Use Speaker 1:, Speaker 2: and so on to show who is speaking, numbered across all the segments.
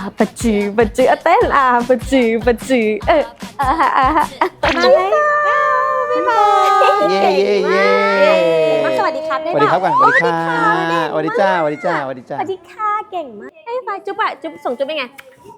Speaker 1: ปะจือปะจือเต้นปะจือปะจือมาเลยบ๊ายบาย
Speaker 2: เย่เย่เย่
Speaker 1: มาสวัสดีครับได้
Speaker 2: สวัสดีครับก่อนสวัสดีค่ะสวัสดีจ้าสวัสดีจ้าสวัสดีจ้า
Speaker 1: สวัสดีค่ะเก่งมากไอ้ฟ้าจุ๊บจุ๊บส่งจุ๊บเป็นไง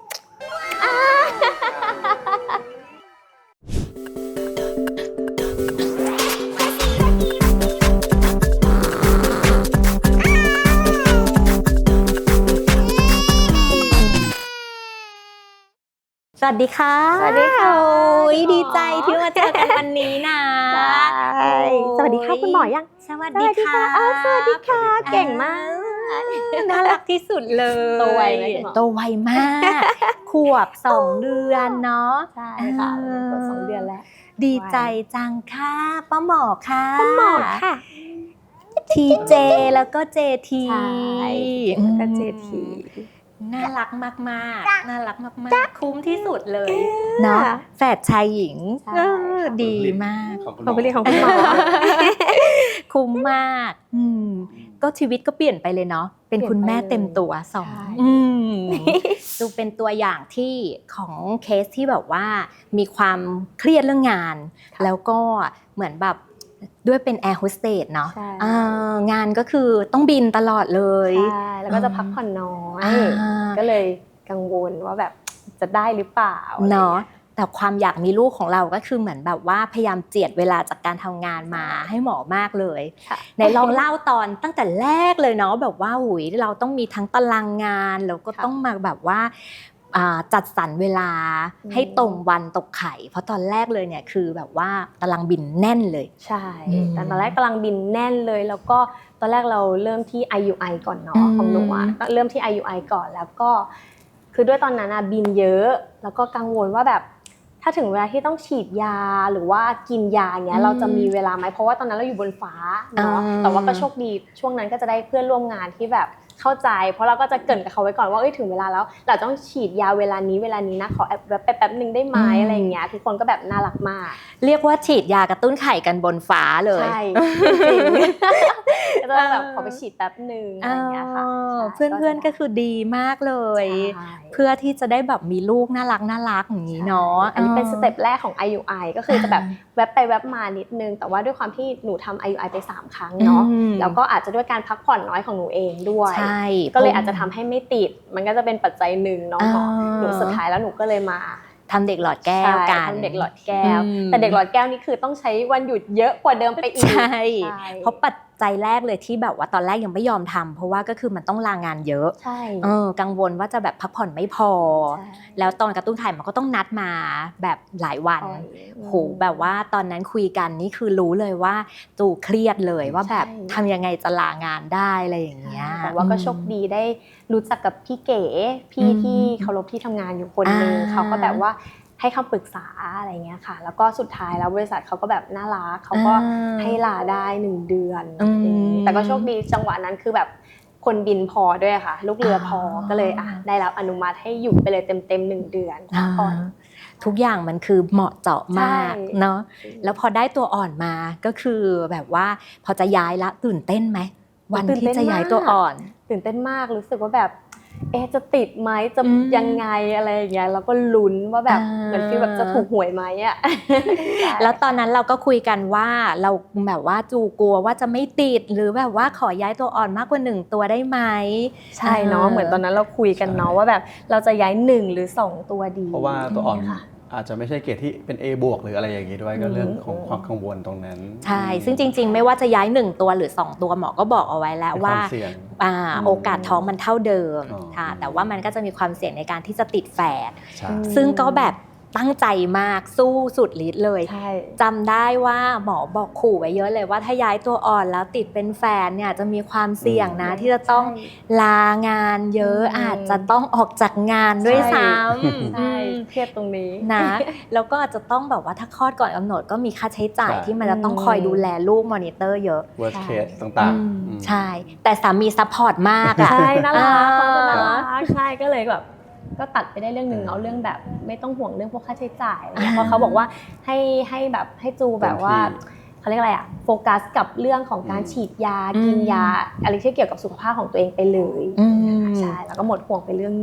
Speaker 1: สวัสดีค่ะ
Speaker 3: สวัสดีค่ะ
Speaker 1: โอ้ยดีใจที่มาเจอกันวันนี้นะสวัสดีค่ะคุณหมอยัง
Speaker 3: สวัสดีค่ะ
Speaker 1: สวัสดีค่ะเก่งมากน่ารักที่สุดเลยโตไวไหมคุณหมอ
Speaker 3: โตไวมากขวบ2 เดือนเนาะ
Speaker 1: ใช่ค่ะตัว2 เดือนแล้ว
Speaker 3: ดีใจจังค่ะป้าหมอค่ะ
Speaker 1: คุณหมอค่ะ
Speaker 3: ทีเจแล้วก็เจที
Speaker 1: ใช่แล้วก็เจที
Speaker 3: น่ารักมากๆน่ารักมากๆคุ้มที่สุดเลยเนาะแฝดชายหญิงดีมาก
Speaker 2: ของคุณหม
Speaker 1: เขา
Speaker 2: อ
Speaker 1: ไปเรียกของคุณหมอ
Speaker 3: คุ้มมากก็ชีวิตก็เปลี่ยนไปเลยเนาะเป็นคุณแม่เต็มตัวสองดูเป็นตัวอย่างที่ของเคสที่แบบว่ามีความเครียดเรื่องงานแล้วก็เหมือนแบบด้วยเป็นแอร์โฮสเตสเนาะงานก็คือต้องบินตลอดเลย
Speaker 1: ใช่แล้วก็จะพักผ่อนน้อยก็เลยกังวลว่าแบบจะได้หรือเปล่า
Speaker 3: เนาะแต่ความอยากมีลูกของเราก็คือเหมือนแบบว่าพยายามเจียดเวลาจากการทำงานมาให้หมอมากเลยไหนลองเล่าตอนตั้งแต่แรกเลยเนาะแบบว่าหุยเราต้องมีทั้งตารางงานแล้วก็ต้องมาแบบว่าจัดสรรเวลาให้ตรงวันตกไข่เพราะตอนแรกเลยเนี่ยคือแบบว่าตารางบินแน่นเลย
Speaker 1: ใช่ตอนแรกตารางบินแน่นเลยแล้วก็ตอนแรกเราเริ่มที่ IUI ก่อนเนาะของหนูก็เริ่มที่ IUI ก่อนแล้วก็คือด้วยตอนนั้นบินเยอะแล้วก็กังวลว่าแบบถ้าถึงเวลาที่ต้องฉีดยาหรือว่ากินยาเงี้ยเราจะมีเวลาไหมเพราะว่าตอนนั้นเราอยู่บนฟ้าเนาะแต่ว่าก็โชคดีช่วงนั้นก็จะได้เพื่อนร่วมงานที่แบบเข้าใจเพราะเราก็จะเกริ่นกับเขาไว้ก่อนว่าถึงเวลาแล้วเราต้องฉีดยาเวลานี้นะขอแป๊บนึงได้ไหมอะไรอย่างเงี้ยทุกคนก็แบบน่ารักมาก
Speaker 3: เรียกว่าฉีดยากระตุ้นไข่กันบนฟ้าเลย
Speaker 1: ใช่จริงๆก็แบบขอไปฉีดแป๊บนึงอะไรอย่างเงี้ยค่ะ
Speaker 3: เพื่อนๆก็คือดีมากเลยเพื่อที่จะได้แบบมีลูกน่ารักอย่างนี้เนาะ
Speaker 1: อันนี้เป็นสเต็ปแรกของ IUI ก็คือจะแบบแวบไปแวบมานิดนึงแต่ว่าด้วยความที่หนูทำ IUI ไป3 ครั้งเนาะแล้วก็อาจจะด้วยการพักผ่อนน้อยของหนูเองด้วยก็เลยอาจจะทำให้ไม่ติดมันก็จะเป็นปัจจัยหนึ่งเนาะหนูสุดท้ายแล้วหนูก็เลยมา
Speaker 3: ทำเด็กหลอดแก้วกัน
Speaker 1: ทำเด็กหลอดแก้วแต่เด็กหลอดแก้วนี่คือต้องใช้วันหยุดเยอะกว่าเดิมไปอีก
Speaker 3: ใช่เพราะปัจจัยแรกเลยที่แบบว่าตอนแรกยังไม่ยอมทำเพราะว่าก็คือมันต้องลางานเยอะ
Speaker 1: ใช่
Speaker 3: กังวลว่าจะแบบพักผ่อนไม่พอแล้วตอนกระตุ้นไข่มันก็ต้องนัดมาแบบหลายวันโหแบบว่าตอนนั้นคุยกันนี่คือรู้เลยว่าตู่เครียดเลยว่าแบบทำยังไงจะลางานได้อะไรอย่างเงี้ย
Speaker 1: แต่ว่าก็โชคดีได้รู้จักกับพี่เก๋พี่ที่เคารพที่ทำงานอยู่คนนึงเขาก็แบบว่าให้คำปรึกษาอะไรเงี้ยค่ะแล้วก็สุดท้ายแล้วบริษัทเขาก็แบบน่ารักเขาก็ให้ลาได้1 เดือนแต่ก็โชคดีจังหวะนั้นคือแบบคนบินพอด้วยค่ะลูกเรือพอก็เลยได้รับอนุมัติให้อยู่ไปเลยเต็ม1 เดือนก่อน
Speaker 3: ทุกอย่างมันคือเหมาะเจาะมากเนาะแล้วพอได้ตัวอ่อนมาก็คือแบบว่าพอจะย้ายละตื่นเต้นไหมวันที่จะย้ายตัวอ่อน
Speaker 1: ตื่นเต้นมากรู้สึกว่าแบบจะติดไหมจะยังไงอะไรอย่างเงี้ยแล้วก็ลุ้นว่าแบบเหมือนฟีลแบบจะถูกหวยไหมอ่ะ
Speaker 3: แล้วตอนนั้นเราก็คุยกันว่าเราแบบว่าจูกลัวว่าจะไม่ติดหรือแบบว่าขอย้ายตัวอ่อนมากกว่า1 ตัวได้ไหม
Speaker 1: ใช่เนาะเหมือนตอนนั้นเราคุยกันเนาะว่าแบบเราจะย้าย1 หรือ 2 ตัวดี
Speaker 2: เพราะว่าตัวอ่อนอาจจะไม่ใช่เกรดที่เป็น A บวกหรืออะไรอย่างนี้ด้วยก็เรื่องของความกังวลตรงนั้น
Speaker 3: ใช่ซึ่งจริงๆไม่ว่าจะย้าย1 ตัวหรือ2 ตัวหมอก็บอกเอาไว้แล้วว่าโอกาสท้องมันเท่าเดิมค่ะแต่ว่ามันก็จะมีความเสี่ยงในการที่จะติดแฝดซึ่งก็แบบตั้งใจมากสู้สุดฤทธิ์เลยจำได้ว่าหมอบอกขู่ไว้เยอะเลยว่าถ้าย้ายตัวอ่อนแล้วติดเป็นแฟนเนี่ยจะมีความเสี่ยงนะที่จะต้องลางานเยอะอาจจะต้องออกจากงานด้วยซ้ำ
Speaker 1: ใช่เครียดตรงนี้
Speaker 3: นะแล้วก็อาจจะต้องแบบว่าถ้าคลอดก่อนกำหนดก็มีค่าใช้จ่ายที่มันจะต้องคอยดูแลลูกมอนิเตอร์เยอะ
Speaker 2: worst case ต่าง
Speaker 3: ๆใช่แต่สามีซัพพอร์ตมากอ่ะ
Speaker 1: ใช่น่ารักเขาก็น่ารักใช่ก็เลยแบบก็ตัดไปได้เรื่องนึงเนาะเรื่องแบบไม่ต้องห่วงเรื่องพวกค่าใช้จ่ายเพราะเขาบอกว่าให้แบบให้จูแบบว่าเขาเรียกอะไรโฟกัสกับเรื่องของการฉีดยากินยาอะไรที่เกี่ยวกับสุขภาพของตัวเองไปเลยใช่แล้วก็หมดห่วงไปเรื่องนึง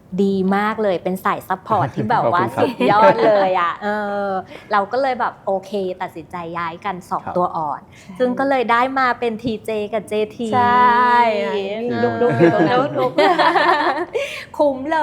Speaker 3: ดีมากเลยเป็นสายซัพพอร์ตที่แบบว่า
Speaker 2: ขอบคุณครับ
Speaker 3: สุดยอดเลยอ่ะเราก็เลยแบบโอเคตัดสินใจย้ายกัน
Speaker 2: ครับ
Speaker 3: 2 ตัวอ่อน ซึ่งก็เลยได้มาเป็น TJ กับ JT
Speaker 1: ใช่ดุกๆอยู่ตรงนั้น
Speaker 3: ดุกๆคุ้มเลย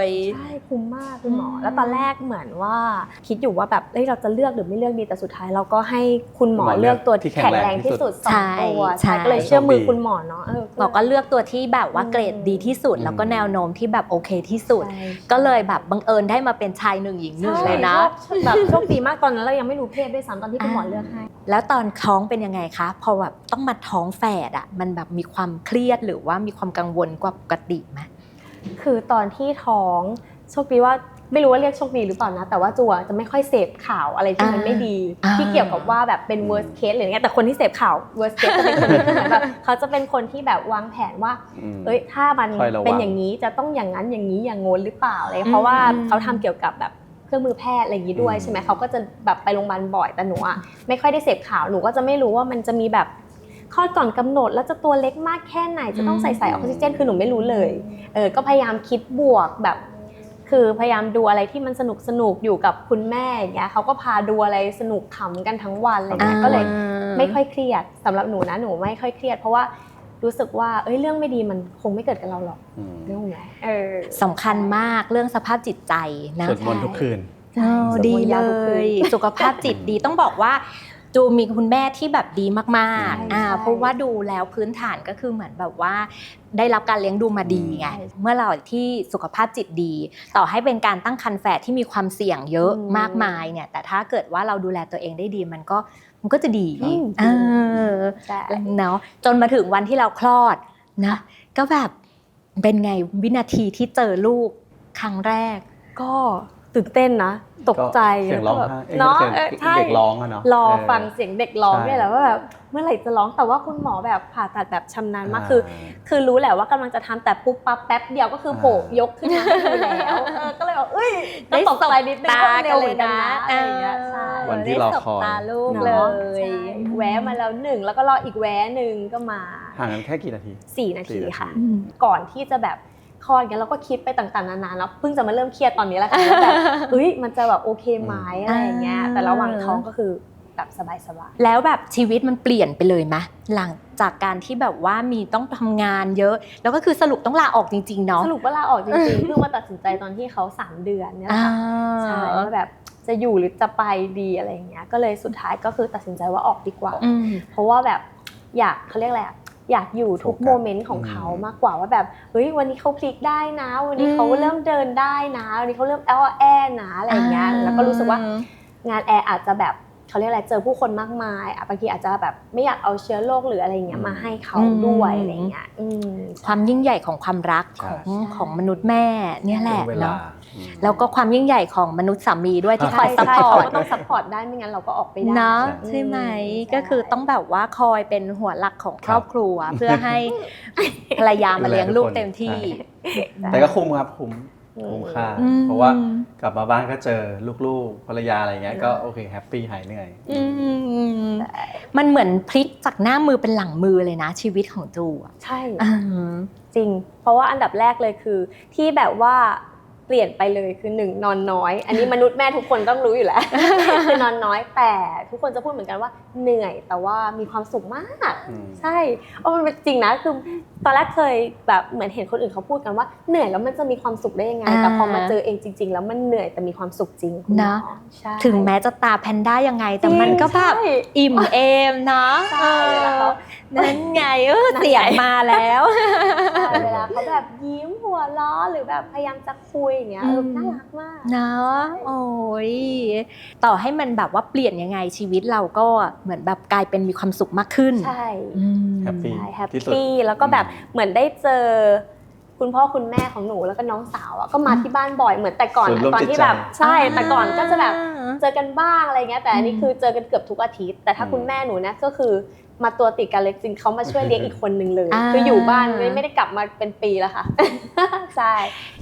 Speaker 1: ใช่คุ้มมากคุณหมอ แล้วตอนแรกเหมือนว่าคิดอยู่ว่าแบบเราจะเลือกหรือไม่เลือกดีแต่สุดท้ายเราก็ให้คุณหมอเลือกตัวที่แข็งแรงที่สุดสองตัว
Speaker 3: ใช่
Speaker 1: ก็เลยเชื่อมือคุณหมอเนาะ
Speaker 3: หมอก็เลือกตัวที่แบบว่าเกรดดีที่สุด แล้วก็แนวโน้มที่แบบโอเคที่สุด ก็เลยแบบบังเอิญได้มาเป็นชาย1หญิง1เลยนะ
Speaker 1: แบบโชคดีมากตอนนั้นเรายังไม่รู้เพศด้วยซ้ำตอนที่คุณหมอเลือกให้
Speaker 3: แล้วตอนท้องเป็นยังไงคะพอแบบต้องมาท้องแฝดอ่ะมันแบบมีความเครียดหรือว่ามีความกังวลกว่าปกติไหม
Speaker 1: คือตอนที่ท้องโชคดีว่าไม่รู้ว่าเรียกโชคดีหรือเปล่านะแต่ว่าจัวจะไม่ค่อยเสพข่าวอะไรที่มันไม่ดีที่เกี่ยวกับว่าแบบเป็น worst case หรืออย่างเงี้ยแต่คนที่เสพข่าว worst case จะเป็นคนที่เหมือนแบบเขาจะเป็นคนที่แบบวางแผนว่าถ้ามันเป็นอย่างนี้จะต้องอย่างนั้นอย่างนี้อย่างงนหรือเปล่าอะไรเพราะว่าเขาทำเกี่ยวกับแบบเครื่องมือแพทย์อะไรอย่างนี้ด้วยใช่ไหมเขาก็จะแบบไปโรงพยาบาลบ่อยแต่หนูอะไม่ค่อยได้เสพข่าวหนูก็จะไม่รู้ว่ามันจะมีแบบคลอดก่อนกำหนดแล้วจะตัวเล็กมากแค่ไหนจะต้องใส่ออกซิเจนคือหนูไม่รู้เลยก็พยายามคิดบวกแบบคือพยายามดูอะไรที่มันสนุกอยู่กับคุณแม่อย่างเงี้ยเขาก็พาดูอะไรสนุกขำกันทั้งวันอะไรเงี้ยก็เลยไม่ค่อยเครียดสำหรับหนูนะหนูไม่ค่อยเครียดเพราะว่ารู้สึกว่าเรื่องไม่ดีมันคงไม่เกิดกับเราหรอกเรื่องไหน
Speaker 3: สำคัญมากเรื่องสภาพจิตใจนะ
Speaker 2: สวดมนต์ทุกคืน
Speaker 3: ดีเลยสุขภาพจิตดีต้องบอกว่าจูมีคุณแม่ที่แบบดีมากๆเพราะว่าดูแล้วพื้นฐานก็คือเหมือนแบบว่าได้รับการเลี้ยงดูมาดีไงเมื่อเราที่สุขภาพจิตดีต่อให้เป็นการตั้งครรภ์แฝดที่มีความเสี่ยงเยอะมากมายเนี่ยแต่ถ้าเกิดว่าเราดูแลตัวเองได้ดีมันก็จะดีเนาะจนมาถึงวันที่เราคลอดนะก็แบบเป็นไงวินาทีที่เจอลูกครั้งแรก
Speaker 1: ก็ตื่นเต้นนะตกใจ
Speaker 2: เสียงร้อง
Speaker 1: เนาะ
Speaker 2: เด็กร้องอะเนาะ
Speaker 1: รอฟังเสียงเด็กร้องเนี่ยแหละว่าแบบเมื่อไหร่จะร้องแต่ว่าคุณหมอแบบผ่าตัดแบบชำนาญมากคือรู้แหละว่ากำลังจะทำแต่ปุ๊บปั๊บแป๊บเดียวก็คือโผล่ยกขึ้นมาแล้วก็เลยบอกได้ตกใจนิดนึงก็เร็วเหมือนกันนะอะไรอย่างเงี้ยใช่
Speaker 2: วันที่เราคอย
Speaker 3: ตาลูกเลย
Speaker 1: แวะมาแล้ว1แล้วก็รออีกแวะ1ก็มา
Speaker 2: ห่างกันแค่กี่นาที
Speaker 1: 4 นาทีค่ะก่อนที่จะแบบคลอดกันเราก็คิดไปต่างๆนานาแล้วเพิ่งจะมาเริ่มเครียดตอนนี้แหละค่ะว่าแบบมันจะแบบโอเคไหมอะไรอย่างเงี้ยแต่ระหว่างท้องก็คือแบบสบาย
Speaker 3: ๆแล้วแบบชีวิตมันเปลี่ยนไปเลยไหมหลังจากการที่แบบว่ามีต้องทำงานเยอะแล้วก็คือสรุปต้องลาออกจริงๆเนาะ
Speaker 1: สรุปว่าลาออกจริงๆเพิ่งมาตัดสินใจตอนที่เขา3 เดือนเนี่ยค่ะใช่ว่าแบบจะอยู่หรือจะไปดีอะไรอย่างเงี้ยก็เลยสุดท้ายก็คือตัดสินใจว่าออกดีกว่าเพราะว่าแบบอยากเขาเรียกอะไรอยากอยู่ทุกโมเมนต์ของเขามากกว่าว่าแบบวันนี้เขาพลิกได้นะวันนี้เขาเริ่มเดินได้นะวันนี้เขาเริ่มแอนะอะไรอย่างเงี้ยแล้วก็รู้สึกว่างานแอร์อาจจะแบบเขาเรียกอะไรเจอผู้คนมากมายบางทีอาจจะแบบไม่อยากเอาเชื้อโรคหรืออะไรอย่างเงี้ยมาให้เขาด้วยอะไรอย่างเงี้ย
Speaker 3: ความยิ่งใหญ่ของความรักของมนุษย์แม่เนี่ยแหละเนาะแล้วก็ความยิ่งใหญ่ของมนุษย์สามีด้วยที่คอยซัพพอร์ต
Speaker 1: ก็ต้องซัพพอร์ตได้ไม่งั้นเราก็ออกไปได้
Speaker 3: นะใช่ไหมก็คือต้องแบบว่าคอยเป็นหัวหลักของครอบครัวเพื่อให้ภรรยามาเลี้ยงลูกเต็มที่
Speaker 2: แต่ก็คุ้มครับคุ้มค่าเพราะว่ากลับมาบ้านก็เจอลูกๆภรรยาอะไรเงี้ยก็โอเคแฮปปี้หายเหนื่อย
Speaker 3: มันเหมือนพลิกจากหน้ามือเป็นหลังมือเลยนะชีวิตของจู
Speaker 1: ใช่จริงเพราะว่าอันดับแรกเลยคือที่แบบว่าเปลี่ยนไปเลยคือ1นอนน้อยอันนี้มนุษย์แม่ทุกคนต้องรู้อยู่แล้วคือนอนน้อยแต่ทุกคนจะพูดเหมือนกันว่าเหนื่อยแต่ว่ามีความสุขมากใช่มันเป็นจริงนะคือตอนแรกเคยแบบเหมือนเห็นคนอื่นเขาพูดกันว่าเหนื่อยแล้วมันจะมีความสุขได้ยังไงแต่พอมาเจอเองจริงๆแล้วมันเหนื่อยแต่มีความสุขจริง
Speaker 3: นะถึงแม้จะตาแพนด้ายังไงแต่มันก็แบบอิ่มเอมนะนั่นไงเสียงมาแล้ว
Speaker 1: เวลาเขาแบบยิ้มหัวล้อหรือแบบพยายามจะคุยอย่างเงี้ยน่ารักมาก
Speaker 3: นะโอ้ยต่อให้มันแบบว่าเปลี่ยนยังไงชีวิตเราก็เหมือนแบบกลายเป็นมีความสุขมากขึ้น
Speaker 1: ใช่
Speaker 2: แฮป
Speaker 1: ปี้แล้วก็แบบเหมือนได้เจอคุณพ่อคุณแม่ของหนูแล้วก็น้องสาวก็มาที่บ้านบ่อยเหมือนแต่ก่อนตอนที่แบบใช่แต่ก่อนก็จะแบบเจอกันบ้างอะไรเงี้ยแต่อันนี้คือเจอกันเกือบทุกอาทิตย์แต่ถ้าคุณแม่หนูนะก็คือมาตัวติดกันเลยจริงเขามาช่วยเลี้ยงอีกคนนึงเลยคืออยู่บ้านไม่ได้กลับมาเป็นปีแล้วค่ะใช่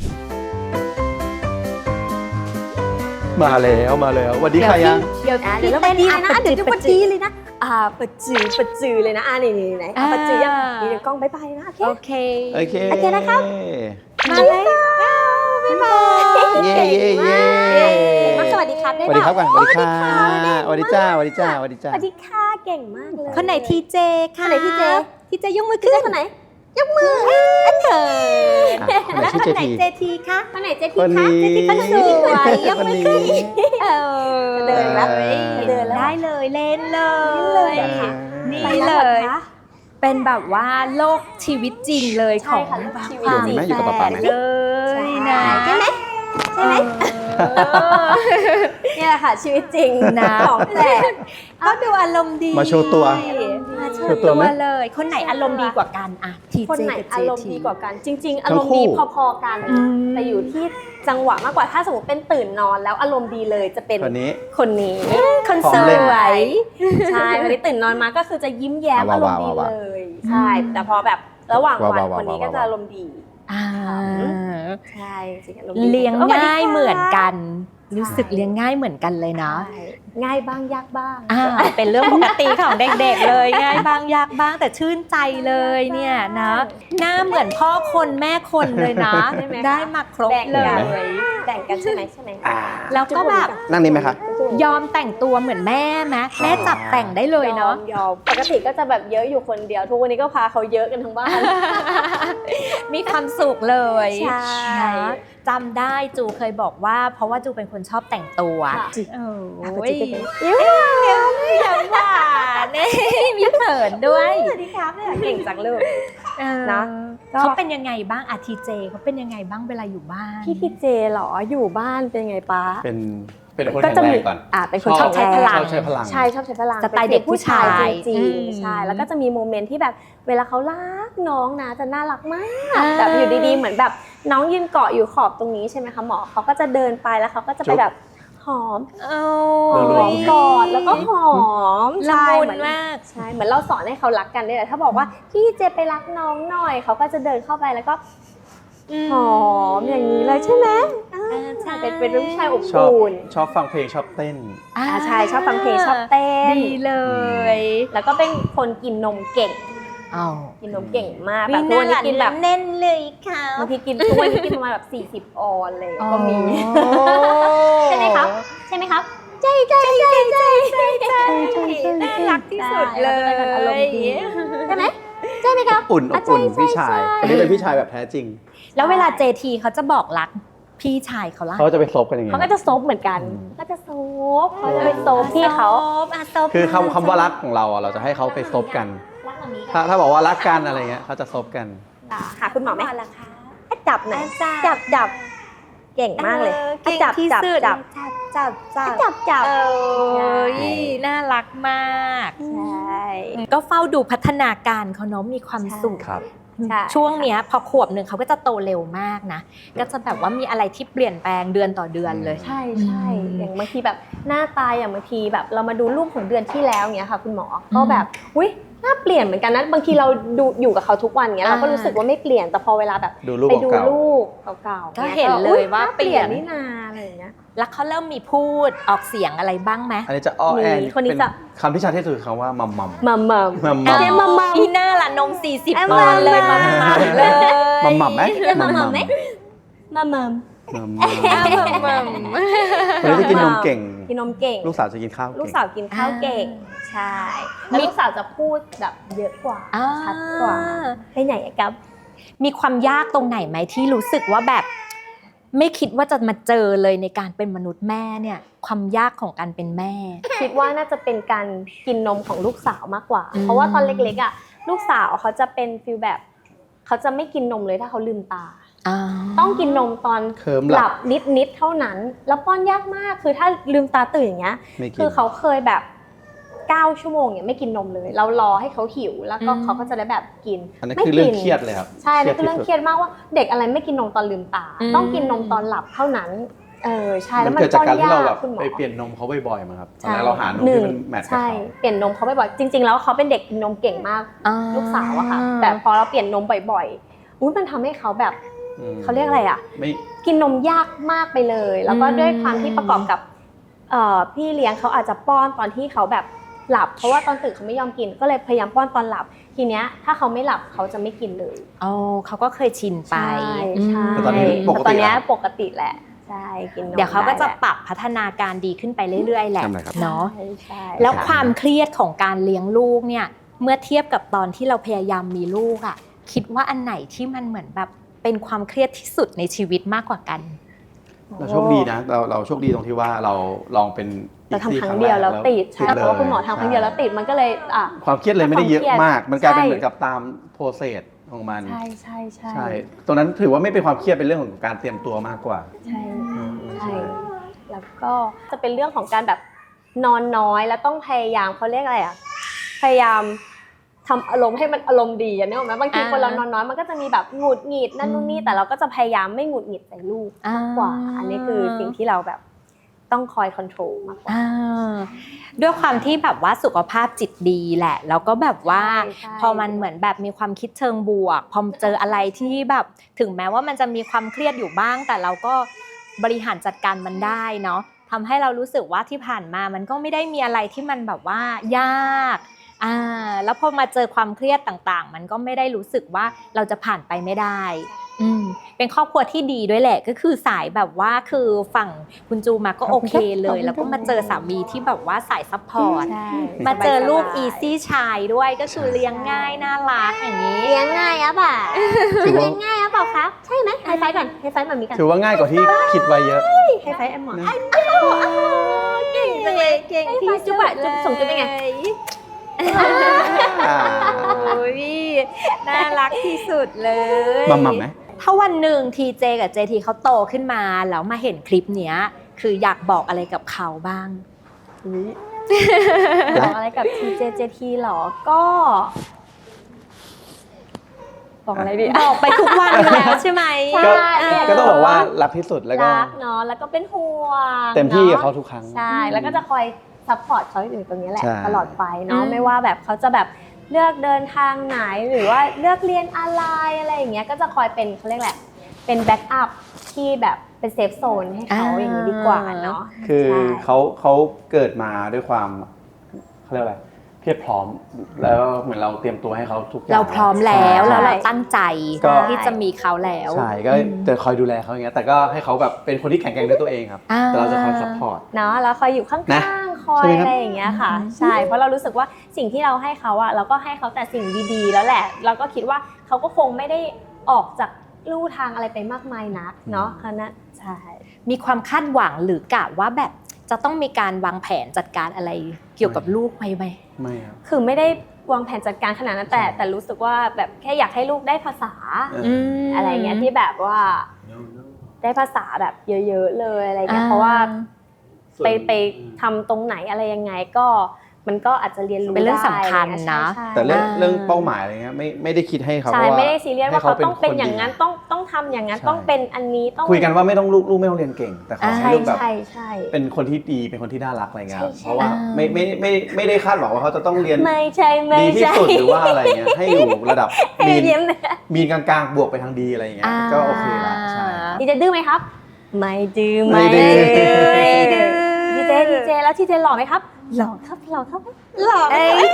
Speaker 2: มาแล้วสวัสดีค่ะยัง
Speaker 1: เดี๋ยวเราไปดีเลยนะเดี๋ยวจะปะจีเลยนะปะจือเลยนะนี่ไหนปะจือยังเดี๋ยวกล้องบ๊ายบายนะโอเค
Speaker 3: โอเค
Speaker 1: นะครับมาเลย
Speaker 4: เย่เย่เย่
Speaker 3: สวัสดีครับได้
Speaker 4: สวัสดีครับ
Speaker 3: เป
Speaker 4: ก่อ
Speaker 3: ล่าน
Speaker 4: สวัสดีค่ะสวัสดีจ้าสวัสดีจ้าสวัสดีจ้า
Speaker 1: สวัสดีค่ะเก่งมากเลย
Speaker 3: คนไหนทีเจค่ะ
Speaker 1: คนไหนทีเจ
Speaker 3: ทีเจยกมือขึ้น
Speaker 1: คนไหน
Speaker 3: ยกมือเขิน
Speaker 4: คนไหนชื่อเจที
Speaker 3: เจทีคะ
Speaker 1: คนไหนเจ
Speaker 4: ค
Speaker 1: ที
Speaker 4: น
Speaker 1: คะ
Speaker 4: นี้
Speaker 1: เจทีคนสวยยก
Speaker 4: คน
Speaker 1: มือ
Speaker 4: นี้
Speaker 1: ขึ้น
Speaker 3: เออ
Speaker 1: เดินแล้ว
Speaker 3: เดินแล้วได้เลยเล่นเลย
Speaker 1: ค่ะ
Speaker 3: นี่
Speaker 1: ไป
Speaker 3: เล
Speaker 1: แล้วหร
Speaker 3: ย
Speaker 1: อคะ
Speaker 3: เป็นแบบว่าโลกชีวิตจริงเลย
Speaker 1: ใช่
Speaker 3: ของ
Speaker 1: ค่ะ
Speaker 3: ชี
Speaker 1: ชี
Speaker 3: วิ
Speaker 1: วิ
Speaker 3: ต
Speaker 1: ต
Speaker 3: จ
Speaker 1: จริ
Speaker 3: ริ
Speaker 1: ง
Speaker 3: ง
Speaker 4: อยู่ไหมอยู่กับป๊าๆไหม
Speaker 3: เลยนะ
Speaker 1: ใช่ไหม ใช่ไหม เนี่ยแหละค่ะชีวิตจริง
Speaker 3: นะ
Speaker 1: ของแปลก
Speaker 3: ก็ดูอารมณ์ดี
Speaker 4: มาโชว์ตัว
Speaker 3: มาโช
Speaker 4: โช
Speaker 3: ว์
Speaker 4: ว์ตั
Speaker 3: ตัว ว
Speaker 4: ไหม
Speaker 3: เลย คนไหนอารมณ์ดีกว่ากันอะที
Speaker 1: คน
Speaker 3: เจ
Speaker 1: ไหน
Speaker 3: กับเจ
Speaker 1: อารมณ์
Speaker 3: ที
Speaker 1: ดีกว่ากัน จริง ๆ อารมณ์ดี
Speaker 4: ทั้งคู่
Speaker 1: พอๆกัน
Speaker 3: อืม
Speaker 1: แต่อยู่ที่จังหวะมากกว่าถ้าสมมติเป็นตื่นนอนแล้วอารมณ์ดีเลยจะเป็น
Speaker 4: คนนี้
Speaker 1: คนนี้
Speaker 3: คน
Speaker 4: พร้อ
Speaker 3: ส
Speaker 4: มเล่น
Speaker 3: วย
Speaker 1: ใช่วันนี้ตื่นนอนมาก็คือจะยิ้มแย้ม
Speaker 4: ว้า
Speaker 1: อาว รมณ์
Speaker 4: ว้าว
Speaker 1: ดี
Speaker 4: ว้าว
Speaker 1: เลยใช่แต่พอแบบระหว่างวัน
Speaker 4: ว้าว
Speaker 1: คนนี้ก็
Speaker 4: ว้าว
Speaker 1: จะอารมณ์ดี
Speaker 3: อ่า
Speaker 1: ใช่จริงๆอารมณ์ดี
Speaker 3: เลี้ยง
Speaker 1: สวัสดี
Speaker 3: ง่าย
Speaker 1: ค่ะ
Speaker 3: เหมือนกัน รู้สึกเลี้ยงง่ายเหมือนกันเลยเนาะ
Speaker 1: ใช่ง่ายบ้างยากบ้าง
Speaker 3: เป็นเรื่องปกติของเด็กๆเลยง่ายบ้างยากบ้างแต่ชื่นใจเลยเนี่ยนะหน้าเหมือนพ่อคนแม่คนเลยนะ
Speaker 1: ใช่ไหมคะ
Speaker 3: ได้มาครบ
Speaker 1: แบ่ง
Speaker 3: เล
Speaker 1: กัน
Speaker 3: ย
Speaker 1: แบ่งกันใช่ไหมใช่ไหม
Speaker 4: อ่า
Speaker 3: แล้วก็แบบ
Speaker 4: นั่งนี่ไหมคะ
Speaker 3: ยอมแต่งตัวเหมือนแม่ไหมแม่จับแต่งได้เลยเนาะ
Speaker 1: ยอมปกติก็จะแบบเยอะอยู่คนเดียวทุกวันนี้ก็พาเขาเยอะกันทั้งบ้าน
Speaker 3: มีความสุขเลย
Speaker 1: ใช่
Speaker 3: นะจำได้จูเคยบอกว่า เพราะว่าจูเป็นคนชอบแต่งตัว
Speaker 1: ค่ะ
Speaker 3: โอ้
Speaker 1: ไป
Speaker 3: ย
Speaker 1: จิ๊กกัน
Speaker 3: ยังหวานเนี่ยมีเขินด้วย
Speaker 1: สวัสดีครับเนี่ยเก่งจังเลย นะ ก็
Speaker 3: เขาเป็นยังไงบ้างอาทีเจเขาเป็นยังไงบ้างเวลาอยู่บ้าน
Speaker 1: พี่ทีเจเหรออยู่บ้านเป็นไงป้า
Speaker 2: เป็นคน
Speaker 1: ก็
Speaker 2: แข็ง
Speaker 1: จะ
Speaker 2: แร
Speaker 1: มี
Speaker 2: งก่อน
Speaker 1: เป็นคนชอบใช้พลัง
Speaker 2: ชอบใช้พลัง
Speaker 1: ใช่ชอบใช้พลัง
Speaker 3: สไตล์เด็กผู้ชาย
Speaker 1: จริง
Speaker 3: อืม
Speaker 1: ๆใช่แล้วก็จะมีโมเมนต์ที่แบบเวลาเขารักน้องนะจะน่ารักมากแบบอยู่ดีๆเหมือนแบบน้องยืนเกาะอยู่ขอบตรงนี้ใช่ไหมคะหมอเขาก็จะเดินไปแล้วเขาก็จะไปแบบหอม
Speaker 3: โอ้
Speaker 1: หอมกอดแล้วก็หอม
Speaker 3: ละ
Speaker 1: ใช่
Speaker 3: มุ
Speaker 1: เห
Speaker 3: น
Speaker 1: มือน
Speaker 3: มาก
Speaker 1: ใช่เหมือนเราสอนให้เขารักกันได้แหละถ้าบอกว่าพี่เจไปรักน้องหน่อยเขาก็จะเดินเข้าไปแล้วก็หอมอย่างนี้เลยใช่ไหม
Speaker 3: ใช่
Speaker 1: เป็นผู้ชายอบ
Speaker 2: ชอบ
Speaker 1: อุ่น
Speaker 2: ชอบฟังเพลงชอบเต้น
Speaker 1: ใช่ชอบฟังเพลงชอบเต้น
Speaker 3: ดีเลย
Speaker 1: แล้วก็เป็นคนกินนมเก่ง
Speaker 3: อ๋อ
Speaker 1: กินนมเก่งมาก
Speaker 3: วิ
Speaker 1: แบบทุกวันนี้กินแบบ
Speaker 3: เน้นเลยค่ะ
Speaker 1: บางทีกินทุกวันนี้กินประมาณแบบ40 ออนเลยก็มี ใช่ไหมครับ ใช่ไหมครับใช่ใช่ใช่ใช่ใช่ใช่
Speaker 3: น่ารักที่สุดเล
Speaker 1: ใช่แล้วก็เป็นคนอารม
Speaker 3: ย
Speaker 1: ณ์ดีใช่ไหมใช่ไหมครับ
Speaker 2: อุ่นอบอุ่นพี่ชายคนนี้เป็นพี่ชายแบบแท้จริง
Speaker 3: แล้วเวลาเจทีเขาจะบอกรักพี่ชายเขาล่ะ
Speaker 2: เขาจะไปซบกันยังไง
Speaker 1: เขาก็จะซบเหมือนกันก็จะซบเขาจะไปซบพี่เขา
Speaker 3: ซบ
Speaker 2: คือคำว่ารักของเราอ่ะเราจะให้เขาไปซบกัน
Speaker 1: รักแบบนี้
Speaker 2: ถ้าบอกว่ารักกันอะไรเงี้ยเขาจะซบกัน
Speaker 1: หาคุณหมอไหม
Speaker 3: ล่ะคะ
Speaker 1: จับหน่อยจับเก่งมากเลย
Speaker 3: เก่งที่สุดจับ
Speaker 1: จับ
Speaker 3: เอ้ยน่ารักมาก
Speaker 1: ใช่
Speaker 3: ก็เฝ้าดูพัฒนาการเขาเนาะมีความสุข
Speaker 2: ครับ
Speaker 1: ใช่
Speaker 3: ช่วงเนี้ยพอขวบหนึ่งเขาก็จะโตเร็วมากนะ ก็จะแบบว่ามีอะไรที่เปลี่ยนแปลงเดือนต่อเดือนเลย
Speaker 1: ใช่อย่างบางทีแบบหน้าตาอย่างบางทีแบบเรามาดูรูปของเดือนที่แล้วเนี้ยค่ะ คุณหมอก็แบบอุ้ยหน้าเปลี่ยนเหมือนกันนะบางทีเราดูอยู่กับเขาทุกวันเงี้ยเราก็รู้สึกว่าไม่เปลี่ยนแต่พอเวลาแบบ
Speaker 2: ดูรูป
Speaker 1: ไปดู
Speaker 2: เก่าๆ
Speaker 1: รูปเก่าๆ
Speaker 3: ก็เห็นเลยว่า
Speaker 1: หน้
Speaker 3: เปลี่ยน
Speaker 1: นี่นาอะไรอย่างเงี้ย
Speaker 3: แล้วเขาเริ่มมีพูดออกเสียงอะไรบ้างไหม
Speaker 2: อันนี้จะอ้อแอ
Speaker 1: มีคนนี้
Speaker 2: เป็น
Speaker 1: จะ
Speaker 2: คำที่ชัดที่สุดคือคำว่ามัมมัม
Speaker 1: มัม
Speaker 2: มัมมัม
Speaker 1: เจ๊มัม
Speaker 3: อีหน้าละนม40
Speaker 1: เอ้ย
Speaker 3: เดือนเลย
Speaker 1: มั
Speaker 3: มาม
Speaker 1: มัม
Speaker 3: เลย
Speaker 2: มัมมัมไหม
Speaker 1: มัมมัมไหมมัมมัม
Speaker 2: มัม
Speaker 3: มัม
Speaker 2: คนนี้จะกินนมเก่ง
Speaker 1: กินนมเก่ง
Speaker 2: ลูกสาวจะกินข้าวเก่ง
Speaker 1: ลูกสาวกินข้าวเก่งใช่แล้วลูกสาวจะพูดแบบเยอะกว่าชัดกว่าไปไหนอะครับ
Speaker 3: มีความยากตรงไหนไหมที่รู้สึกว่าแบบ ไม่คิดว่าจะมาเจอเลยในการเป็นมนุษย์แม่เนี่ย ความยากของการเป็นแม่
Speaker 1: คิดว่าน่าจะเป็นการกินนมของลูกสาวมากกว่า
Speaker 3: อืม
Speaker 1: เพราะว่าตอนเล็กๆอ่ะลูกสาวเขาจะเป็นฟีลแบบเขาจะไม่กินนมเลยถ้าเขาลืมตา ต้องกินนมตอน
Speaker 2: เคิม
Speaker 1: ห
Speaker 2: หลั
Speaker 1: ลั
Speaker 2: บบ
Speaker 1: นิดๆเท่านั้น แล้วป้อนยากมากคือถ้าลืมตาตื่นอย่างเงี้ย
Speaker 2: ไม่กิน
Speaker 1: คือเขาเคยแบบ9 ชั่วโมงเนี่ยไม่กินนมเลย เรารอให้เขาหิวแล้วก็
Speaker 3: อืม
Speaker 1: เขาก็จะได้แบบกิน
Speaker 2: อันนั้น
Speaker 1: ไม่
Speaker 2: คือเรื่อง
Speaker 1: กิน
Speaker 2: เครียดเลยครับ
Speaker 1: ใช่นั่นคือเรื่อง
Speaker 2: ที่
Speaker 1: เครียดมากว่าเด็กอะไรไม่กินนมตอนลืมตา
Speaker 3: อืม
Speaker 1: ต้องกินนมตอนหลับเท่านั้นใช่แล้ว
Speaker 2: มั
Speaker 1: มัน น
Speaker 2: เกิดจากการที่เราแบบ
Speaker 1: ป้อนยคุณหมอ
Speaker 2: ไปเปลี่ยนนมเขาบ่อยๆมาครับตอน
Speaker 1: ใช่
Speaker 2: แรกเราหานมที่มันแมทช์กับ
Speaker 1: ใช่
Speaker 2: เขา
Speaker 1: เปลี่ยนนมเขาบ่อยๆจริง ๆ แล้วเขาเป็นเด็กกินนมเก่งมากลูกสาวอะค่ะแต่พอเราเปลี่ยนนมบ่อยๆอุ๊ยมันทำให้เขาแบบ
Speaker 2: อืม
Speaker 1: เขาเรียกอะไรอะ
Speaker 2: ไม่
Speaker 1: กินนมยากมากไปเลย แล้วก็ด้วยความที่ประกอบกับพี่เลี้ยงเขาอาจจะป้อนตอนที่เขาแบบหลับ เพราะว่าตอนตื่นเขาไม่ยอมกินก็เลยพยายามป้อนตอนหลับ ทีเนี้ยถ้าเขาไม่หลับเขาจะไม่กินเลย
Speaker 3: อ๋อเขาก็เคยชินไป
Speaker 1: ใช่
Speaker 2: แต่ตอนนี้ปก
Speaker 1: ตอน
Speaker 2: ติ
Speaker 1: เนี้ย
Speaker 2: แล้ว
Speaker 1: ปกติแหละใช่กินนม
Speaker 3: เดี๋ยวเขาก็จะ
Speaker 1: ได้
Speaker 3: ปรับพัฒนาการดีขึ้นไปเรื่อยๆแหละ
Speaker 4: ทำอะไรครับ
Speaker 3: เนาะ
Speaker 1: ใช่
Speaker 3: แล้วความเครียดของการเลี้ยงลูกเนี่ยเมื่อเทียบกับตอนที่เราพยายามมีลูกอะคิดว่าอันไหนที่มันเหมือนแบบเป็นความเครียดที่สุดในชีวิตมากกว่ากัน
Speaker 2: เราโชคดีนะเราโชคดีตรงที่ว่าเราลองเป็น
Speaker 1: เราทำครั้งเดียวแล้วติดใช่เพราะว่าคุณหมอทำครั้งเดียวแล้วติดมันก็เลย
Speaker 2: ความเครียดเลยไม่ได้เยอะมาก มันกลายเป็น
Speaker 1: ใช่
Speaker 2: เหมือนกับตามโปรเซสของมัน
Speaker 1: ใช่ใช่ใช่
Speaker 2: ใช่ตรงนั้นถือว่าไม่เป็นความเครียดเป็นเรื่องของการเตรียมตัวมากกว่า
Speaker 1: ใช่ใช่แล้วก็จะเป็นเรื่องของการแบบนอนน้อยแล้วต้องพยายามเขาเรียกอะไรพยายามทำอารมณ์ให้มันอารมณ์ดีอ่ะนึกออกไหมบางทีคนเรานอนน้อยมันก็จะมีแบบหงุดหงิดนั่นนู่นนี่แต่เราก็จะพยายามไม่หงุดหงิดใส่ลูกมากกว่า อันนี้คือสิ่งที่เราแบบต้องคอยควบคุมมากกว่า
Speaker 3: ด้วยความที่แบบว่าสุขภาพจิตดีแหละแล้วก็แบบว่า
Speaker 1: ใช่
Speaker 3: พอมันเหมือนแบบมีความคิดเชิงบวกพอเจออะไรที่แบบถึงแม้ว่ามันจะมีความเครียดอยู่บ้าง แต่เราก็บริหารจัดการมันได้เนาะทำให้เรารู้สึกว่าที่ผ่านมามันก็ไม่ได้มีอะไรที่มันแบบว่ายากแล้วพอมาเจอความเครียดต่างๆมันก็ไม่ได้รู้สึกว่าเราจะผ่านไปไม่ได้เป็นครอบครัวที่ดีด้วยแหละก็คือสายแบบว่าคือฝั่งคุณจูมาก็โอเคเลยแล้วก็มาเจอสามีที่แบบว่าสายซัพพอร์ต
Speaker 1: ใช่
Speaker 3: มาเจอลูกอีซี่ชายด้วยก็คือเลี้ยงง่ายน่ารักอย่างนี้
Speaker 1: เลี้ยงง่ายอ่ะป่ะ
Speaker 2: ถือว่า
Speaker 1: เลี้ยงง่ายอ่ะเปล่าครับใช่ไหมไฮไฟก่อนไฮไฟแบบนี้กัน
Speaker 2: ถือว่าง่ายกว่าที่คิดไว้เยอะ
Speaker 1: ไฮไฟแอมหมอน
Speaker 2: นะ
Speaker 3: เก่งจังเลยเก่งที่
Speaker 1: จุ๊บอะจุ๊บส่งจุ๊บเป็นไง
Speaker 2: อ่า
Speaker 3: โอ้ยน่ารักที่สุดเลย
Speaker 2: มัมไหม
Speaker 3: ถ้าวันหนึ่งทีเจกับเจทีเขาโตขึ้นมาแล้วมาเห็นคลิปเนี้ยคืออยากบอกอะไรกับเขาบ้าง
Speaker 1: บอกอะไรกับ TJJT หรอก็บอกอะไรดี
Speaker 3: บอกไปทุกวันอยู่แล้วใช่ไหม
Speaker 1: ใช่
Speaker 2: ก็ต้องบอกว่ารักที่สุดแล้วก็
Speaker 1: รักเนาะแล้วก็เป็นห่วง
Speaker 2: เต็มที่กับ
Speaker 1: นะ
Speaker 2: เขาทุกครั้ง
Speaker 1: ใช่แล้วก็จะคอยซัพพอร์ตเขาอยู่ตรงนี้แหละ
Speaker 2: ใช่
Speaker 1: ตลอดไปเนาะไม่ว่าแบบเขาจะแบบเลือกเดินทางไหนหรือว่าเลือกเรียนอะไรอย่างเงี้ยก็จะคอยเป็นเขาเรียกแหละเป็นแบ็กอัพที่แบบเป็นเซฟโซนให้เขาอย่างนี้ดีกว่าเนาะ
Speaker 2: คือ
Speaker 1: ใช่
Speaker 2: เขาเกิดมาด้วยความเขาเรียกอะไรเพียบพร้อมแล้วเหมือนเราเตรียมตัวให้เขาทุกอย่าง
Speaker 3: เราพร้อมแล้ว
Speaker 2: ใช่
Speaker 3: แล้วเราตั้งใจ
Speaker 2: ก็
Speaker 3: ที่จะมีเขาแล้ว
Speaker 2: ใช่ก็จะคอยดูแลเขาอย่างเงี้ยแต่ก็ให้เขาแบบเป็นคนที่แข็งแกร่งด้วยตัวเองครับแต่เราจะคอยซัพพอร์ต
Speaker 1: เนาะแล้วคอยอยู่ข้
Speaker 2: นะ
Speaker 1: างๆคอย
Speaker 2: ใช่ไหมครับ
Speaker 1: อะไรอย่างเงี้ยค่ะ ใช่เพราะเรารู้สึกว่าสิ่งที่เราให้เขาอะเราก็ให้เขาแต่สิ่งดีๆ แล้วแหละ เราก็คิดว่าเขาก็คงไม่ได้ออกจากลู่ทางอะไรไปมากมายนักเนาะคณะใช่
Speaker 3: มีความคาดหวังหรือกะว่าแบบจะต้องมีการวางแผนจัดการอะไรเกี่ยวกับลูกไหม
Speaker 2: ไม่ครับ
Speaker 1: คือไม่ได้วางแผนจัดการขนาดนั้นแต่รู้สึกว่าแบบแค่อยากให้ลูกได้ภาษา อะไรเงี้ยที่แบบว่าได้ภาษาแบบเยอะๆเลยอะไรเงี้ยเพราะว่าไปทำตรงไหนอะไรยังไงก็มันก็อาจจะเรียนรู้
Speaker 3: เป็นเรื่องสำคัญนะ
Speaker 1: ใช่
Speaker 2: แต่เรื่อง
Speaker 3: อ่า
Speaker 2: เรื่องเป้าหมายอะไรเงี้ยไม่ได้คิดให้เขา
Speaker 1: ใช่
Speaker 2: ว่า
Speaker 1: ไม่ได้ซีเรียสว่าเขาต้องเป็นอย่างนั้น
Speaker 2: ให้
Speaker 1: ต้องทำอย่างนั้น
Speaker 2: ใช่
Speaker 1: ต้องเป็นอันนี้ต้อง
Speaker 2: คุยกันว่าไม่ต้องลูกไม่ต้องเรียนเก่ง แต่ขอให้
Speaker 1: ใช่
Speaker 2: ลูกแบบ
Speaker 1: ใช่ใช่
Speaker 2: เป็นคนที่ดีเป็นคนที่น่ารักอะไรเงี้ย
Speaker 1: ใช่ใช่
Speaker 2: เพราะว่าไม่ได้คาดหวังว่าเขาจะต้องเรียน
Speaker 1: ไม่ใช่ไม่
Speaker 2: ดีที่
Speaker 1: ใช่
Speaker 2: สุดหรือว่าอะไรเงี้ยให้อยู่ระดับ
Speaker 1: ให้เรียนเลย
Speaker 2: มีนกลางๆบวกไปทางดีอะไรเงี้ยก็โอเคละใช่
Speaker 1: ดีเจดื้อไหมครับ ไม่ดื้อ
Speaker 2: ไม่ดื้อ
Speaker 1: ดีเจแล้วทีเจหล่อไหมครับหล่อครับหล่อครับ
Speaker 3: หล่อ
Speaker 1: เอ้ย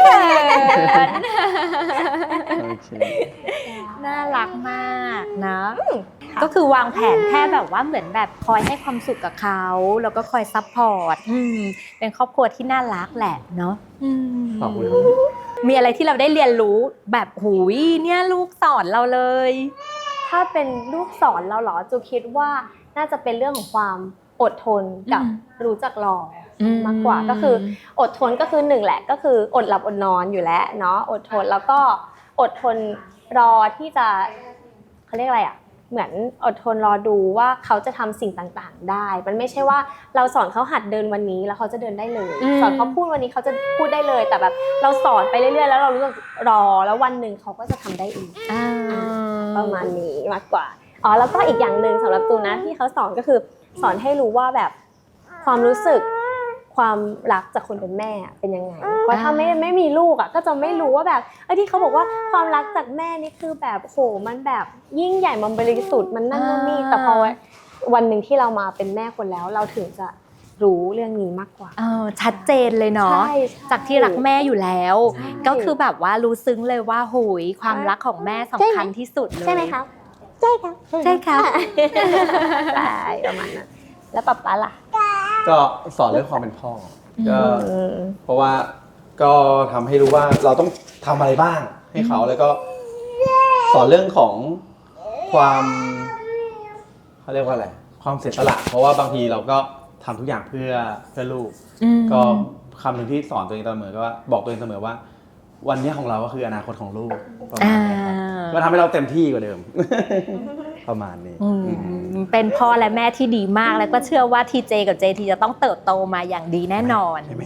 Speaker 2: โอเค
Speaker 3: น่ารักมากนะก็คือวางแผนแค่แบบว่าเหมือนแบบคอยให้ความสุขกับเขาแล้วก็คอยซัพพอร์ตเป็นครอบครัวที่น่ารักแหละเนาะ
Speaker 2: ขอบคุณครับ
Speaker 3: มีอะไรที่เราได้เรียนรู้แบบหูยเนี่ยลูกสอนเราเลย
Speaker 1: ถ้าเป็นลูกสอนเราเหรอจูคิดว่าน่าจะเป็นเรื่องของความอดทนกับรู้จักรอมากกว่าก็คืออดทนก็คือหนึ่งแหละก็คืออดหลับอดนอนอยู่แล้วเนาะอดทนแล้วก็อดทนรอที่จะเขาเรียกอะไรอ่ะเหมือนอดทนรอดูว่าเขาจะทำสิ่งต่างๆได้มันไม่ใช่ว่าเราสอนเขาหัดเดินวันนี้แล้วเขาจะเดินได้เลยสอนเขาพูดวันนี้เขาจะพูดได้เลยแต่แบบเราสอนไปเรื่อยๆแล้วเรารู้สึกรอแล้ววันหนึ่งเขาก็จะทำได้เองประมาณนี้มากกว่าอ๋อแล้วก็อีกอย่างหนึ่งสำหรับตูนะที่เขาสอนก็คือสอนให้รู้ว่าแบบความรู้สึกความรักจากคนเป็นแม่เป็นยังไงเพราะถ้าไม่มีลูกอ่ะก็จะไม่รู้ว่าแบบที่เขาบอกว่าความรักจากแม่นี่คือแบบโหมันแบบยิ่งใหญ่มันบริสุทธิ์มันนั่นนี่แต่พอวันหนึ่งที่เรามาเป็นแม่คนแล้วเราถึงจะรู้เรื่องนี้มากกว่า
Speaker 3: ชัดเจนเลยเนาะ
Speaker 1: ใช่
Speaker 3: จากที่รักแม่อยู่แล้ว
Speaker 1: ใช่
Speaker 3: ก็คือแบบว่ารู้ซึ้งเลยว่าโหยความรักของแม่สำคัญที่สุดเลย
Speaker 1: ใช่ไหมคะใช่ค่ะ
Speaker 3: ใช่ค่ะ
Speaker 1: ใช่ประมาณนั้นแล้วป๊าป๊าล่ะ
Speaker 2: ก็สอนเรื่องความเป็นพ่อก็เพราะว่าก็ทำให้รู้ว่าเราต้องทำอะไรบ้างให้เขาแล้วก็สอนเรื่องของความเขาเรียกว่าอะไรความเสียสละเพราะว่าบางทีเราก็ทำทุกอย่างเพื่อลูกก็คำหนึ่งที่สอนตัวเองเสมอก็ว่าบอกตัวเองเสมอว่าวันนี้ของเราก็คืออนาคตของลูกประมาณนี้ครับก็ทำให้เราเต็มที่กว่าเดิม ประมาณนี้
Speaker 3: เป็นพ่อและแม่ที่ดีมากแล้วก็เชื่อว่าทีเจกับเจทีจะต้องเติบโตมาอย่างดีแน่นอน
Speaker 2: ใช่ไหม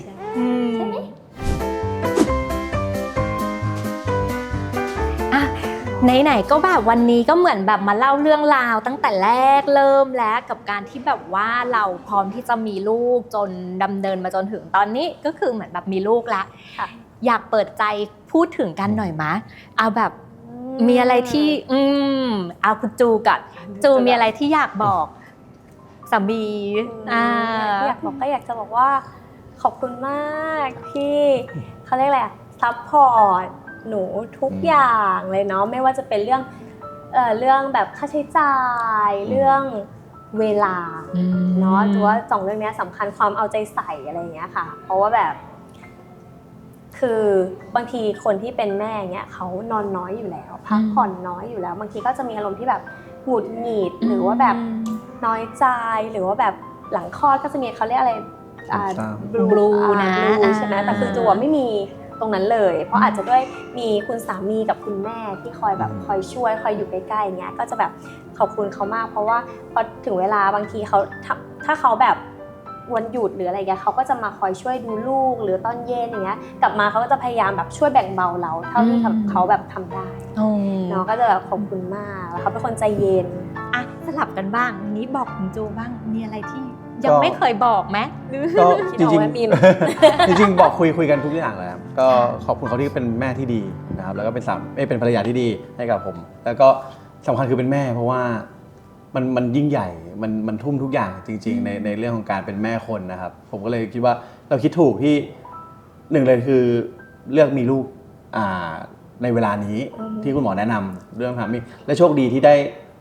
Speaker 3: ไหนๆก็แบบวันนี้ก็เหมือนแบบมาเล่าเรื่องราวตั้งแต่แรกเริ่มแล้วกับการที่แบบว่าเราพร้อมที่จะมีลูกจนดำเนินมาจนถึงตอนนี้ก็คือเหมือนแบบมีลูกแล้วอยากเปิดใจพูดถึงกันหน่อยมะเอาแบบมีอะไรที่เอาคุณจูก่อนจูมีอะไรที่อยากบอกสามี
Speaker 1: อยากบอกก็อยากจะบอกว่าขอบคุณมากที่เขาเรียกอะไรซัพพอร์ตหนูทุกอย่างเลยเนาะไม่ว่าจะเป็นเรื่องแบบค่าใช้จ่ายเรื่องเวลาเนาะถือว่า2เรื่องนี้สำคัญความเอาใจใส่อะไรอย่างเงี้ยค่ะเพราะว่าแบบคือบางทีคนที่เป็นแม่เงี้ยเขานอนน้อยอยู่แล้วพักผ่อนน้อยอยู่แล้วบางทีก็จะมีอารมณ์ที่แบบหงุดหงิดหรือว่าแบบน้อยใจหรือว่าแบบหลังคลอดก็จะมีเขาเรียกอะไร
Speaker 3: บลูนะ
Speaker 1: ใช่ไหมแต่คือจูไม่มีตรงนั้นเลยเพราะอาจจะด้วยมีคุณสามีกับคุณแม่ที่คอยแบบคอยช่วยคอยอยู่ใกล้ๆเงี้ยก็จะแบบขอบคุณเขามากเพราะว่าพอถึงเวลาบางทีเขาถ้าเขาแบบวันหยุดหรืออะไรเงี้ยเขาก็จะมาคอยช่วยดูลูกหรือตอนเย็นอย่างเงี้ยกลับมาเขาก็จะพยายามแบบช่วยแบ่งเบาเราเท่าที่เขาแบบทำได้เนาะก็จะแบบขอบคุณมากแล้วเขาเป็นคนใจเย็น
Speaker 3: สลับกันบ้างวันนี้บอกคุณจูบ้างมีอะไรที่ยังไม่เคยบอกไหม
Speaker 2: ก็จริงๆจริงๆบอกคุยกันทุกอย่างแล้วก็ขอบคุณเขาที่เป็นแม่ที่ดีนะครับแล้วก็เป็นภรรยาที่ดีให้กับผมแล้วก็สำคัญคือเป็นแม่เพราะว่ามันยิ่งใหญ่มันทุ่มทุกอย่างจริงๆในเรื่องของการเป็นแม่คนนะครับผมก็เลยคิดว่าเราคิดถูกที่หนึ่งเลยคือเลือกมีลูกในเวลานี้ที่คุณหมอแนะนำเรื่องทำนี่และโชคดีที่ได้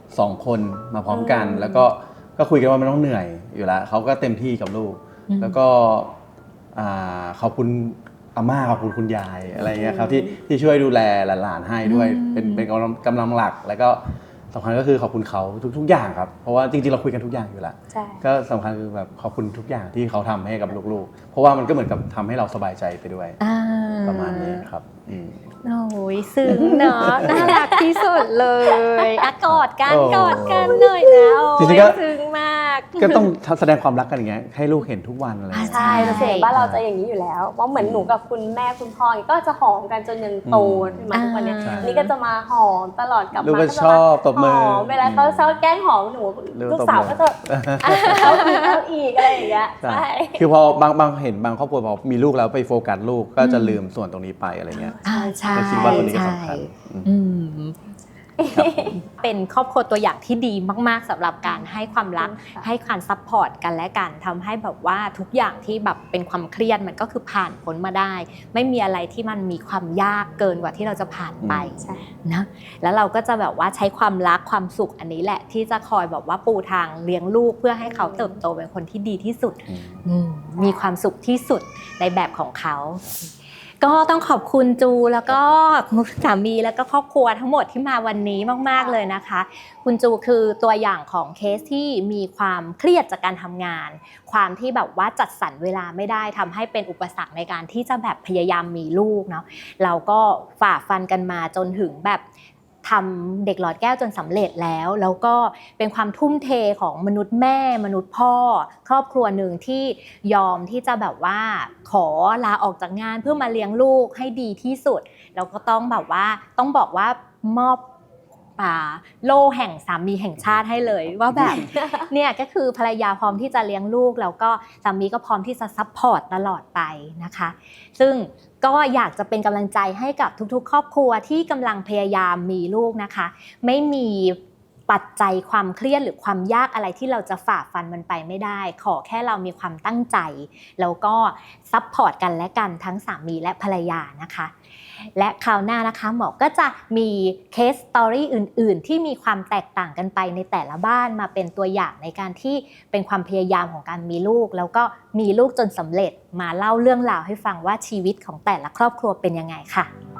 Speaker 2: 2คนมาพร้อมกันแล้วก็คุยกันว่ามันต้องเหนื่อยอยู่แล้วเขาก็เต็มที่กับลูกแล้วก็ขอบคุณอาม่าขอบคุณคุณยายอะไรเงี้ยครับที่ช่วยดูแลหลานๆให้ด้วยเป็นกำลังหลักแล้วก็สำคัญก็คือขอบคุณเขาทุกอย่างครับเพราะว่าจริงๆเราคุยกันทุกอย่างอยู่แล้วก็สำคัญคือแบบขอบคุณทุกอย่างที่เขาทำให้กับลูกๆเพราะว่ามันก็เหมือนกับทำให้เราสบายใจไปด้วยประมาณนี้ครับ
Speaker 3: โอ้ยซึ้งเนาะน่ารักที่สุดเลยกอดกันหน่อยนะ
Speaker 2: จริงๆก็
Speaker 3: ซึ้งมาก
Speaker 2: ก็ต้องแสดงความรักกันอย่างเงี้ยให้ลูกเห็นทุกวันอะไร
Speaker 1: ใช่เสียงบ้านเราจะอย่างนี้อยู่แล้วเพราะเหมือนหนูกับคุณแม่คุณพ่อก็จะหอมกันจนยันโตมาทุกวันนี้นี่ก็จะมาหอมตลอดกลับมา
Speaker 2: ก็ชอบตบมือ
Speaker 1: เวลาเขาชอบแกล้งหอมหนูลูกสาวก็จะเอาอีกอะไรอย่างเงี้ยใช่
Speaker 2: คือพอบางเห็นบางครอบครัวพอมีลูกแล้วไปโฟกัสลูกก็จะลืมส่วนตรงนี้ไปอะไรเงี้ย
Speaker 3: ใช่
Speaker 2: คิดว่าตัวนี้ก็สำคัญ
Speaker 3: เป็นครอบครัวตัวอย่างที่ดีมากๆสำหรับการให้ความรักให้การซัพพอร์ตกันและกันทำให้แบบว่าทุกอย่างที่แบบเป็นความเครียดมันก็คือผ่านพ้นมาได้ไม่มีอะไรที่มันมีความยากเกินกว่าที่เราจะผ่านไปนะแล้วเราก็จะแบบว่าใช้ความรักความสุขอันนี้แหละที่จะคอยแบบว่าปูทางเลี้ยงลูกเพื่อให้เขาเติบโตเป็นคนที่ดีที่สุดมีความสุขที่สุดในแบบของเขาก็ต้องขอบคุณจูแล้วก็สามีแล้วก็ครอบครัวทั้งหมดที่มาวันนี้มากๆเลยนะคะคุณจูคือตัวอย่างของเคสที่มีความเครียดจากการทำงานความที่แบบว่าจัดสรรเวลาไม่ได้ทำให้เป็นอุปสรรคในการที่จะแบบพยายามมีลูกเนาะเราก็ฝ่าฟันกันมาจนถึงแบบทำเด็กหลอดแก้วจนสำเร็จแล้วก็เป็นความทุ่มเทของมนุษย์แม่มนุษย์พ่อครอบครัวหนึ่งที่ยอมที่จะแบบว่าขอลาออกจากงานเพื่อมาเลี้ยงลูกให้ดีที่สุดแล้วก็ต้องแบบว่าต้องบอกว่ามอบโล่แห่งสามีแห่งชาติให้เลยว่าแบบเนี่ยก็คือภรรยาพร้อมที่จะเลี้ยงลูกแล้วก็สามีก็พร้อมที่จะซัพพอร์ตตลอดไปนะคะซึ่งก็อยากจะเป็นกำลังใจให้กับทุกๆครอบครัวที่กำลังพยายามมีลูกนะคะไม่มีปปัจจัยความเครียดหรือความยากอะไรที่เราจะฝ่าฟันมันไปไม่ได้ขอแค่เรามีความตั้งใจแล้วก็ซัพพอร์ตกันและกันทั้งสามีและภรรยานะคะและคราวหน้านะคะหมอก็จะมีเคสสตอรี่อื่นๆที่มีความแตกต่างกันไปในแต่ละบ้านมาเป็นตัวอย่างในการที่เป็นความพยายามของการมีลูกแล้วก็มีลูกจนสำเร็จมาเล่าเรื่องราวให้ฟังว่าชีวิตของแต่ละครอบครัวเป็นยังไงค่ะ